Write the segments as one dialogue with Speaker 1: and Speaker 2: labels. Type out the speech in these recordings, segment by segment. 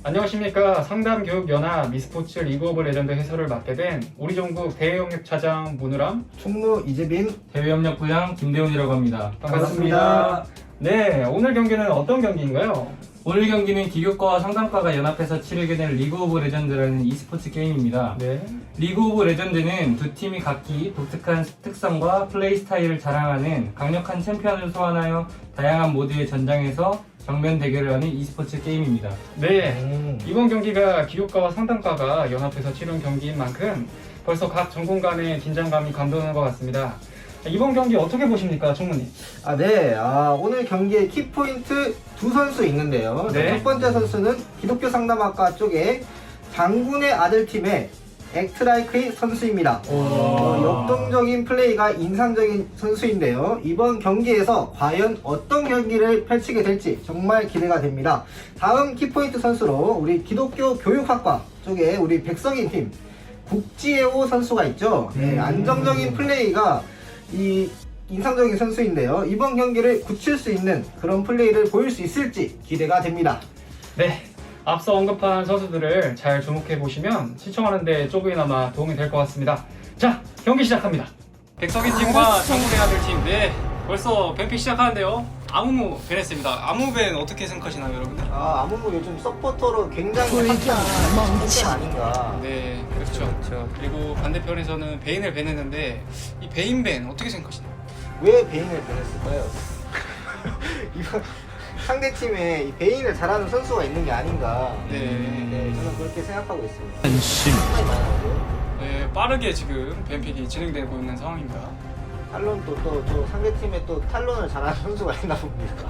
Speaker 1: 안녕하십니까. 상담교육연합 e스포츠 리그 오브 레전드 해설을 맡게 된 우리 종국 대외협력 차장 문우람,
Speaker 2: 총무 이재빈,
Speaker 3: 대외협력 부장 김대훈이라고 합니다.
Speaker 1: 반갑습니다. 네, 오늘 경기는 어떤 경기인가요?
Speaker 3: 오늘 경기는 기교과와 상담과가 연합해서 치르게 된 리그 오브 레전드라는 e스포츠 게임입니다.
Speaker 1: 네.
Speaker 3: 리그 오브 레전드는 두 팀이 각기 독특한 특성과 플레이 스타일을 자랑하는 강력한 챔피언을 소환하여 다양한 모드의 전장에서 정면 대결을 하는 e스포츠 게임입니다.
Speaker 1: 네. 이번 경기가 기교과와 상담과가 연합해서 치른 경기인 만큼 벌써 각 전공 간의 긴장감이 감도는 것 같습니다. 이번 경기 어떻게 보십니까, 총무님?
Speaker 2: 네. 오늘 경기의 키포인트 두 선수 있는데요.
Speaker 1: 네.
Speaker 2: 첫 번째 선수는 기독교 상담학과 쪽에 장군의 아들 팀의 액트라이크의 선수입니다. 역동적인 플레이가 인상적인 선수인데요. 이번 경기에서 과연 어떤 경기를 펼치게 될지 정말 기대가 됩니다. 다음 키포인트 선수로 우리 기독교 교육학과 쪽에 우리 백성인 팀 국지혜호 선수가 있죠. 네, 안정적인 플레이가 인상적인 선수인데요. 이번 경기를 굳힐 수 있는 그런 플레이를 보일 수 있을지 기대가 됩니다.
Speaker 1: 네. 앞서 언급한 선수들을 잘 주목해 보시면 시청하는데 조금이나마 도움이 될 것 같습니다. 자, 경기 시작합니다. 백석인 팀과 장군의 아들 팀. 네, 벌써 밴픽 시작하는데요. 아무무 벤했습니다. 아무무 벤 어떻게 생각하시나요, 여러분들?
Speaker 2: 아무무 요즘 서포터로 굉장히 핫한 선수 아닌가.
Speaker 1: 네, 그렇죠. 그리고 반대편에서는 베인을 벤했는데 이 베인 벤 어떻게 생각하시나요?
Speaker 2: 왜 베인을 보냈을까요? 이번 상대팀에 이 베인을 잘하는 선수가 있는 게 아닌가.
Speaker 1: 네.
Speaker 2: 저는 그렇게 생각하고 있습니다.
Speaker 1: 네, 빠르게 지금 벤픽이 진행되고 있는 상황입니다.
Speaker 2: 탈론도 또 상대팀에 또 탈론을 잘하는 선수가 있나 봅니다.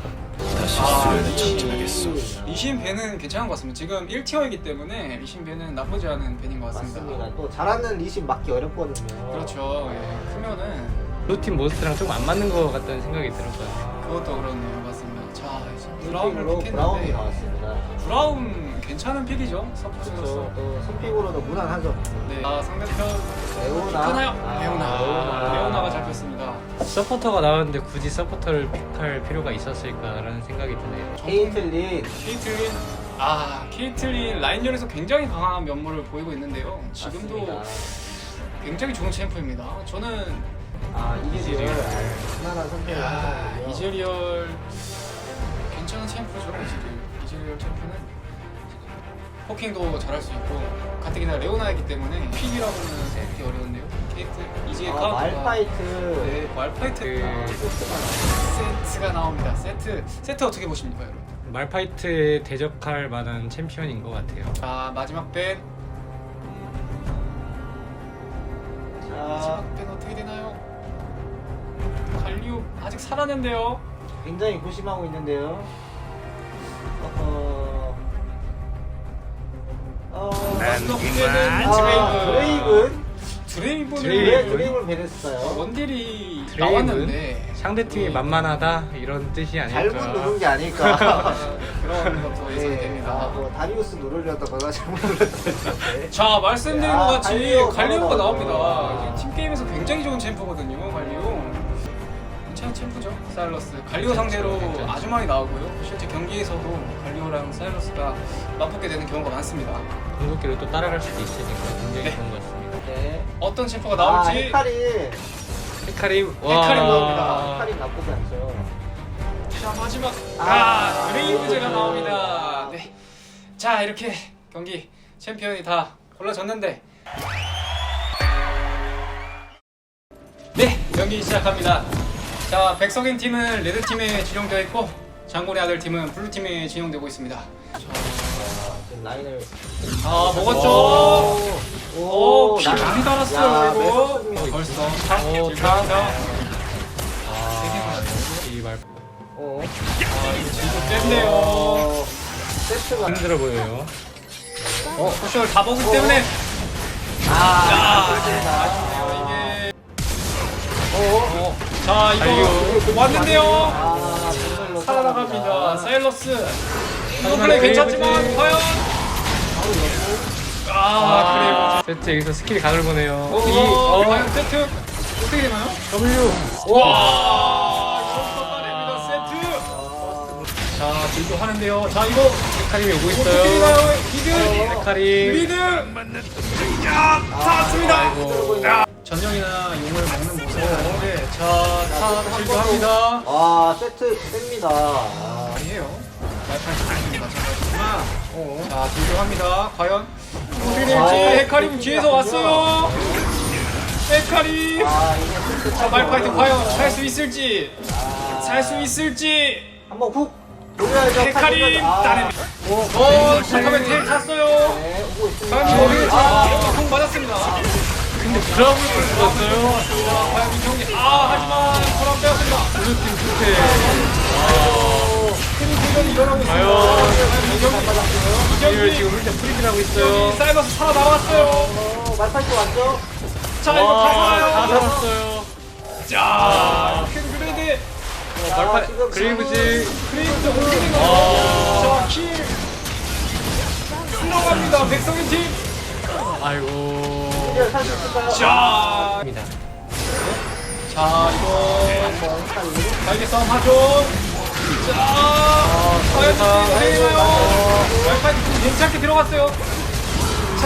Speaker 1: 리신 벤은 괜찮은 것 같습니다. 지금 1티어이기 때문에 리신 벤은 나쁘지 않은 벤인 것 같습니다.
Speaker 2: 맞습니다. 또 잘하는 리신 맞기 어렵거든요.
Speaker 1: 그렇죠. 예, 크면은
Speaker 3: 루팀 몬스터랑 좀 안 맞는 것 같다는 생각이 들었어요.
Speaker 1: 그것도 그렇네요. 맞습니다. 자, 이제
Speaker 2: 브라운으로
Speaker 1: 픽했는데
Speaker 2: 브라운이 나왔습니다.
Speaker 1: 브라운 괜찮은 픽이죠. 서포트로서.
Speaker 2: 그렇죠. 또 선픽으로도 무난하죠.
Speaker 1: 네. 상대편
Speaker 2: 레오나.
Speaker 1: 하나요? 레오나가 잡혔습니다.
Speaker 4: 서포터가 나왔는데 굳이 서포터를 픽할 필요가 있었을까라는 생각이 드네요.
Speaker 2: 케이틀린.
Speaker 1: 케이틀린 라인전에서 굉장히 강한 면모를 보이고 있는데요. 지금도
Speaker 2: 맞습니다.
Speaker 1: 굉장히 좋은 챔프입니다. 저는
Speaker 2: 이즈리얼 무난한 선택을 한 거고요.
Speaker 1: 이즈리얼 괜찮은 챔프죠. 이즈리얼 챔프는 포킹도 잘할 수 있고 가뜩이나 레오나이기 때문에 픽이라고는 생각하기 어려운데요. 이즈의 카운터가
Speaker 2: 말파이트.
Speaker 1: 네, 말파이트 세트가 나옵니다. 세트 어떻게 보십니까, 여러분?
Speaker 4: 말파이트에 대적할 만한 챔피언인 것 같아요.
Speaker 1: 자, 마지막 밴 어떻게 되나요? 갈리오 아직 살았는데요.
Speaker 2: 굉장히 고심하고 있는데요.
Speaker 1: 마지막 밴은 드레이븐
Speaker 2: 왜 드레이븐을 배냈을까요?
Speaker 1: 원딜이
Speaker 4: 드레이븐?
Speaker 1: 나왔는데
Speaker 4: 상대팀이 만만하다 이런 뜻이
Speaker 2: 잘못
Speaker 4: 아닐까.
Speaker 2: 누른 게 아닐까.
Speaker 1: 그런 것도 예상이 됩니다.
Speaker 2: 다리우스 누르려다가 잘못 눌렀어요.
Speaker 1: 자, 말씀드린 것 같이 갈리오가
Speaker 2: 갈리오
Speaker 1: 나옵니다. 지금 팀게임에서 굉장히 좋은 챔프거든요, 갈리오. 괜찮은 챔프죠, 사일러스. 갈리오 상대로 아주 많이 나오고요. 실제 경기에서도 갈리오랑 사일러스가 맞붙게 되는 경우가 많습니다.
Speaker 4: 궁극기로 또 따라갈 수도 있으니까 굉장히 좋은 것 같습니다.
Speaker 2: 네.
Speaker 1: 어떤 챔프가 나올지.
Speaker 4: 헤카림
Speaker 1: 헤카림 나옵니다.
Speaker 2: 헤카림 나쁘지 않죠.
Speaker 1: 자, 마지막 드레이브제가 나옵니다. 네. 자, 이렇게 경기 챔피언이 다 골라졌는데 네, 경기 시작합니다. 자, 백석인 팀은 레드 팀에 진용되어 있고 장군의 아들 팀은 블루 팀에 진용되고 있습니다.
Speaker 2: 라인을.
Speaker 1: 먹었죠. 피
Speaker 2: 나-
Speaker 1: 많이 달았어요,
Speaker 2: 야,
Speaker 1: 이거.
Speaker 2: 메소드입니다.
Speaker 1: 벌써
Speaker 4: 이 말
Speaker 1: 이거 진짜 센데요.
Speaker 2: 세트가.
Speaker 4: 힘들어 보여요.
Speaker 1: 포션을 다 먹기 때문에 이게 자, 이거 왔는데요. 살아나갑니다. 사일러스. 이거 플레이 괜찮지만 과연
Speaker 4: 세트 여기서 스킬이 각을 보네요.
Speaker 1: 과연 세트 어떻게 되나요?
Speaker 4: W.
Speaker 1: 와, 이거 쏟아냅니다. 세트. 자, 들고 하는데요. 자, 이거
Speaker 4: 헤카림이 오고
Speaker 1: 어떻게
Speaker 4: 있어요.
Speaker 1: 되나요? 미드!
Speaker 4: 헤카림.
Speaker 1: 미드! 야! 닿았습니다!
Speaker 4: 아이고.
Speaker 1: 야! 전령이나 용을 먹는 모습을 하는데 자, 들고 합니다.
Speaker 2: 아, 세트 셉니다. 아,
Speaker 1: 아니에요. 말판 지키는 마찬가지지만 자, 들고 합니다. 과연 어떻게 될지 헤카림 뒤에서 왔어요. 헤카림!
Speaker 2: 이게 세트
Speaker 1: 자, 말파이트 과연 살 수 있을지 살 수 있을지
Speaker 2: 한번 훅 돌려야죠.
Speaker 1: 헤카림
Speaker 2: 아,
Speaker 1: 따냅니다. 잠깐만 텔 탔어요.
Speaker 2: 네, 오고 있습니다.
Speaker 1: 과연 머리를 공 맞았습니다.
Speaker 4: 근데 브라움을 뚫었어요.
Speaker 1: 과연 이 경기 하지만 코람 빼었습니다.
Speaker 4: 블루팀 투패.
Speaker 1: 큰 공격이 일어나고 있습니다. 이
Speaker 4: 이걸
Speaker 1: 경기
Speaker 4: 지금 홀대 프리즈를 하고
Speaker 1: 여기
Speaker 4: 있어요.
Speaker 1: 사이버스 살아남았어요.
Speaker 2: 말파이트 왔죠?
Speaker 1: 자, 이거
Speaker 4: 와,
Speaker 1: 다
Speaker 4: 다
Speaker 1: 살아요.
Speaker 4: 살았어요.
Speaker 1: 자, 큰 그레이드
Speaker 4: 말파
Speaker 2: 지금
Speaker 4: 그레이브즈.
Speaker 1: 그레이드 올리는 거. 자, 킬 들어갑니다. 백성인 팀.
Speaker 4: 아이고.
Speaker 2: 이제 살수 있을까요?
Speaker 1: 자, 자, 이거
Speaker 2: 한번 헷갈리.
Speaker 1: 날개 싸움 하죠. 자, 과연 되나요? 말파이트 괜찮게 들어갔어요. 자,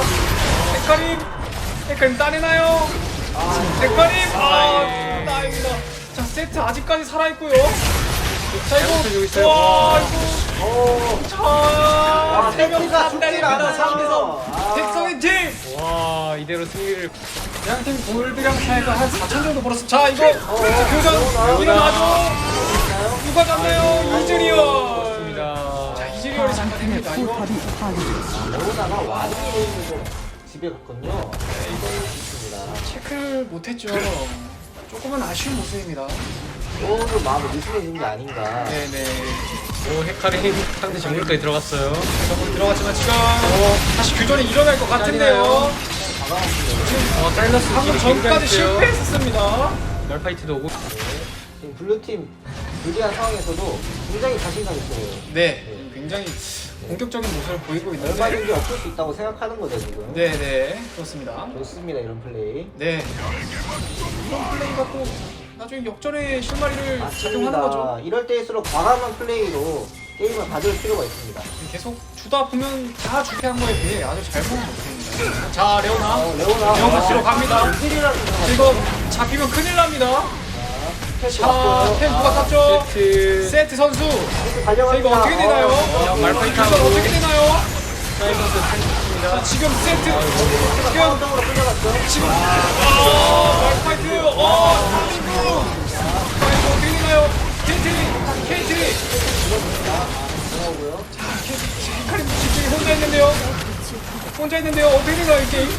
Speaker 1: 헤카림 따내나요? 헤카림 다행이다. 자, 세트 아직까지 살아있고요. 자,
Speaker 4: 잘못해주고
Speaker 1: 이거
Speaker 4: 있어요.
Speaker 1: 와, 이거 자, 세명
Speaker 2: 세트가
Speaker 1: 다
Speaker 2: 죽질
Speaker 1: 딸립니다.
Speaker 2: 않아요.
Speaker 1: 3대서 백성인 팀.
Speaker 4: 와, 이대로 승리를.
Speaker 1: 양팀 골드랑 차이가 한 4천 정도 벌었어. 자, 이거 교전 일어나죠. 누가 잡나요? 이즈리얼.
Speaker 4: 좋습니다.
Speaker 1: 자, 이즈리얼이 장관입니다. 이거
Speaker 2: 레오나가 와딩이 집에 갔거든요. 이거 좋습니다.
Speaker 1: 체크를 못했죠. 조금은 아쉬운 모습입니다.
Speaker 2: 조금 마음이 느슨해진 게 아닌가.
Speaker 1: 네네.
Speaker 4: 오, 헤카림 상대 정글까지 들어갔어요.
Speaker 1: 조금 들어갔지만 지금 다시 교전이 일어날 것 같은데요.
Speaker 2: 다가왔습니다.
Speaker 4: 사일러스
Speaker 1: 방금 전까지 실패했었습니다.
Speaker 4: 말파이트도 오고.
Speaker 2: 지금 블루팀 불리한 상황에서도 굉장히 자신감 있어요.
Speaker 1: 네, 굉장히 공격적인 모습을 보이고 있는데.
Speaker 2: 얼마든지 없을 수 있다고 생각하는 거죠 지금.
Speaker 1: 네네, 그렇습니다.
Speaker 2: 좋습니다 이런 플레이.
Speaker 1: 네. 이런 플레이가 또 나중에 역전의 실마리를 작용하는 거죠.
Speaker 2: 맞습니다. 이럴 때일수록 과감한 플레이로 게임을 가져올 필요가 있습니다.
Speaker 1: 계속 주다 보면 다 주게 한 거에 비해 아주 잘 보는 모습입니다. 자, 레오나.
Speaker 2: 레오나.
Speaker 1: 레오나 씨로 갑니다.
Speaker 2: 힐이라는
Speaker 1: 이거 잡히면 큰일 납니다.
Speaker 2: 패스
Speaker 1: 자,
Speaker 2: 왔고요.
Speaker 1: 템 누가 땄죠?
Speaker 4: 세트.
Speaker 1: 세트 선수.
Speaker 2: 패스
Speaker 1: 자,
Speaker 2: 달려갑니다.
Speaker 1: 이거 어떻게 되나요?
Speaker 4: 말파이트
Speaker 1: 이거
Speaker 4: 하고.
Speaker 1: 어떻게 되나요?
Speaker 4: 사일러스 탱크입니다.
Speaker 1: 자, 지금 세트. 지금
Speaker 2: 한정으로 끌려갔죠.
Speaker 1: 지금 말파이트. 이거 어떻게 되나요? KT.
Speaker 2: 나오고요.
Speaker 1: 헤카림 집중이 혼자 있는데요. 어떻게 되나요, 이 게임?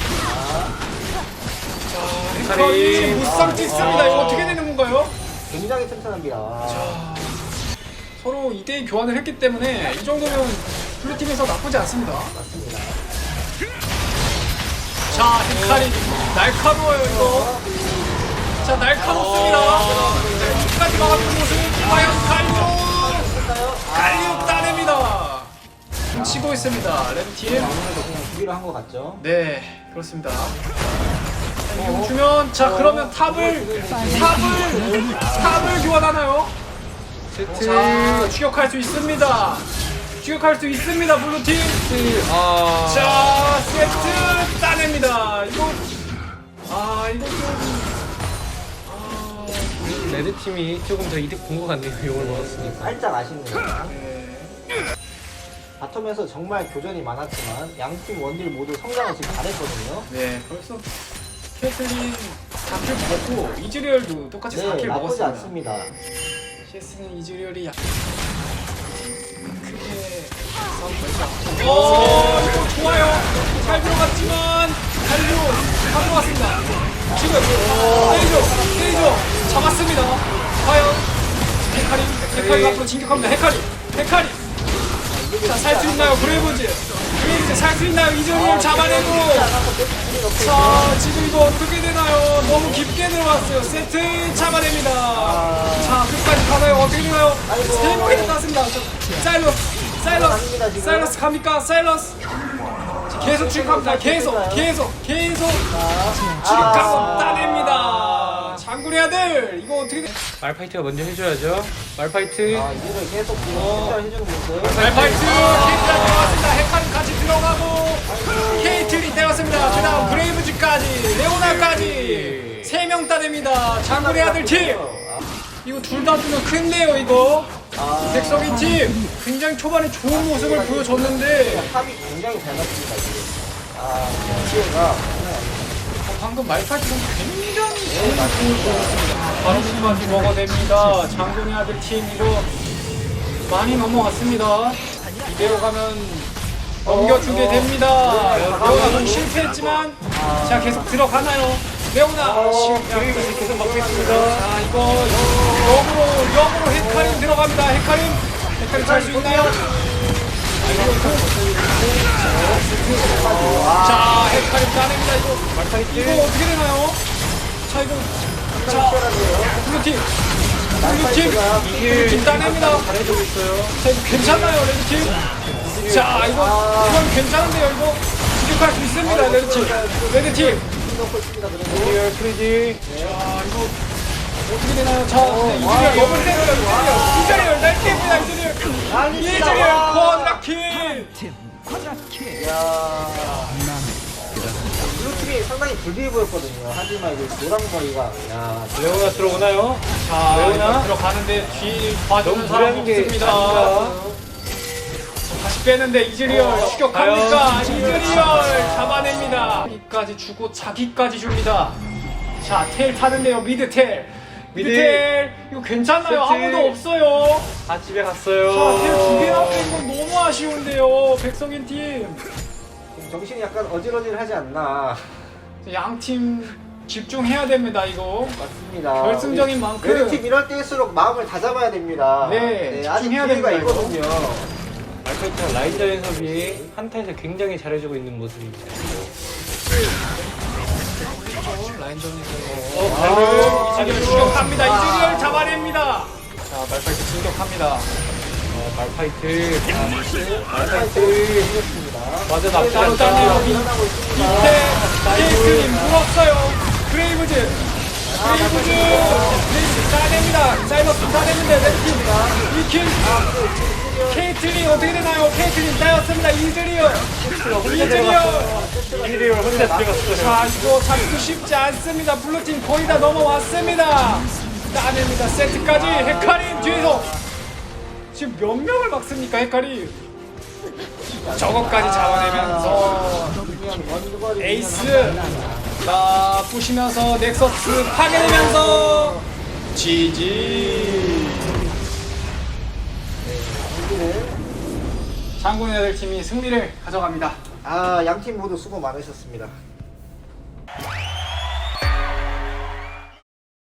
Speaker 1: 자, 헤카림 무쌍 찍습니다. 이거 어떻게 되는 건가요?
Speaker 2: 굉장히 튼튼합니다.
Speaker 1: 서로 2대2 교환을 했기 때문에 이 정도면 블루팀에서 나쁘지 않습니다.
Speaker 2: 맞습니다.
Speaker 1: 자, 헤카림 날카로워요, 이거. 자, 날카롭습니다. 끝까지 막아주는 모습. 과연 갈리오 따냅니다. 치고 있습니다, 레드팀.
Speaker 2: 아무래도 그냥 준비를 한 것 같죠.
Speaker 1: 네, 그렇습니다. 자, 주면 자, 그러면 탑을 교환하나요? 자, 추격할 수 있습니다. 블루팀. 자, 세트 따냅니다. 이거 좀
Speaker 4: 레드팀이 조금 더 이득 본 것 같네요. 용을 먹었으니까.
Speaker 2: 살짝 아쉽네요.
Speaker 1: 네.
Speaker 2: 바텀에서 정말 교전이 많았지만 양팀 원딜 모두 성장을 지금 잘했거든요.
Speaker 1: 네, 벌써 캐슬린 4킬 먹고 이즈리얼도 똑같이 4킬
Speaker 2: 나쁘지
Speaker 1: 먹었습니다.
Speaker 2: 않습니다.
Speaker 1: CS는 이즈리얼이 크게 싸움 걸지 않고. 이거 좋아요. 잘 들어갔지만 갈리오 다 들어갔습니다. 지금 때리죠. 잡았습니다. 과연 헤카림 앞으로 진격합니다. 헤카림. 자, 살 수 있나요? 브레이브즈 살 수 있나요? 이즈리얼 잡아내고. 자, 지금 이거 어떻게 되나요? 너무 깊게 들어갔어요. 세트 잡아냅니다. 자, 끝까지 가나요? 어떻게 되나요?
Speaker 2: 아이고.
Speaker 1: 3포인트 땄습니다. 사일러스 갑니까? 사일러스 계속 추격합니다. 계속 추격하고 따냅니다. 장군의 아들 이거 어떻게 돼?
Speaker 4: 말파이트가 먼저 해줘야죠. 말파이트.
Speaker 2: 이거를 계속 해주는 모습.
Speaker 1: 말파이트 케이트가 들어왔습니다. 헤카림 같이 들어가고 케이틀이 때렸습니다. 그다음 브레이브즈까지 레오나까지 3명 따냅니다. 장군의 아들 팀. 이거 둘 다 주면 큰데요 이거. 백석인 팀 굉장히 초반에 좋은 모습을 보여줬는데
Speaker 2: 탑이 굉장히 잘 맞습니다 지금. 지혜가
Speaker 1: 방금 말파이트 선수 굉장히 좋은 모습을 보여줬습니다. 바로 끝까지 먹어냅니다. 장군의 아들 팀 이거 많이 넘어갔습니다. 이대로 가면 넘겨주게 됩니다. 레오나 좀 실패했지만 자 계속 들어가나요? 레오나 실패하면서 계속 막고 있습니다. 자 이거 역으로 헤카림 들어갑니다. 헤카림 찰 수 있나요? 자 헤카림 따냅니다. 이거 어떻게 되나요? 자 이거 자 블루팀 따냅니다.
Speaker 4: 잘해주고 있어요.
Speaker 1: 자 이거 괜찮나요 레드팀? 자 이건 괜찮은데요 이거 추격할 수 있습니다 레드팀
Speaker 4: 리얼 프리지.
Speaker 1: 자 이거 어떻게 되나요? 자 이즈리얼 너무 세요 이즈리얼 날개입니다 이즈리얼 쿼드라킬
Speaker 2: 블루팀이 상당히 불리해 보였거든요. 하지만 이제 노랑머리가
Speaker 4: 레오나 들어오나요?
Speaker 1: 자
Speaker 4: 레오나?
Speaker 1: 들어가는데 뒤 봐주는
Speaker 4: 너무
Speaker 1: 사람
Speaker 4: 무리한 게
Speaker 1: 없습니다
Speaker 4: 아닌가?
Speaker 1: 다시 빼는데 이즈리얼 추격합니까? 이즈리얼 잡아냅니다. 자기까지 주고 자기까지 줍니다. 자, 텔 타는데요. 미드 텔. 이거 괜찮나요?
Speaker 4: 세트.
Speaker 1: 아무도 없어요.
Speaker 4: 다 집에 갔어요.
Speaker 1: 자, 텔 2개나 뺀 건 너무 아쉬운데요. 백성인 팀.
Speaker 2: 정신이 약간 어질어질하지 않나.
Speaker 1: 양 팀 집중해야 됩니다. 이거.
Speaker 2: 맞습니다.
Speaker 1: 결승적인 만큼.
Speaker 2: 레드팀 이럴 때일수록 마음을 다잡아야 됩니다.
Speaker 1: 네,
Speaker 2: 아직
Speaker 1: 집중해야
Speaker 2: 기회가
Speaker 1: 됩니다,
Speaker 2: 있거든요.
Speaker 4: 말파이트가 라인전 연습이 한타에서 굉장히 잘해주고 있는 모습입니다.
Speaker 1: 방금 이즈리얼 추격합니다. 이즈리얼 잡아냅니다. 자, 말파이트 진격합니다.
Speaker 4: 말파이트.
Speaker 1: 맞아, 나쁘지 않다네요. 밑에 케이트님 물었어요. 그레이브즈 따냅니다. 사이버스 따냈는데 레드팀 2킬. 케이틀린 어떻게 되나요? 케이틀린 따였습니다. 이즈리얼
Speaker 4: 혼자 들어갔어요.
Speaker 1: 자 이거 잡기 쉽지 않습니다. 블루팀 거의 다 넘어왔습니다. 따냅니다. 세트까지 헤카림 뒤에서 지금 몇 명을 막습니까 헤카림? 저것까지 잡아내면서 에이스 자 부시면서 넥서스 파괴되면서 GG. 장군의 아들 팀이 승리를 가져갑니다.
Speaker 2: 양팀 모두 수고 많으셨습니다.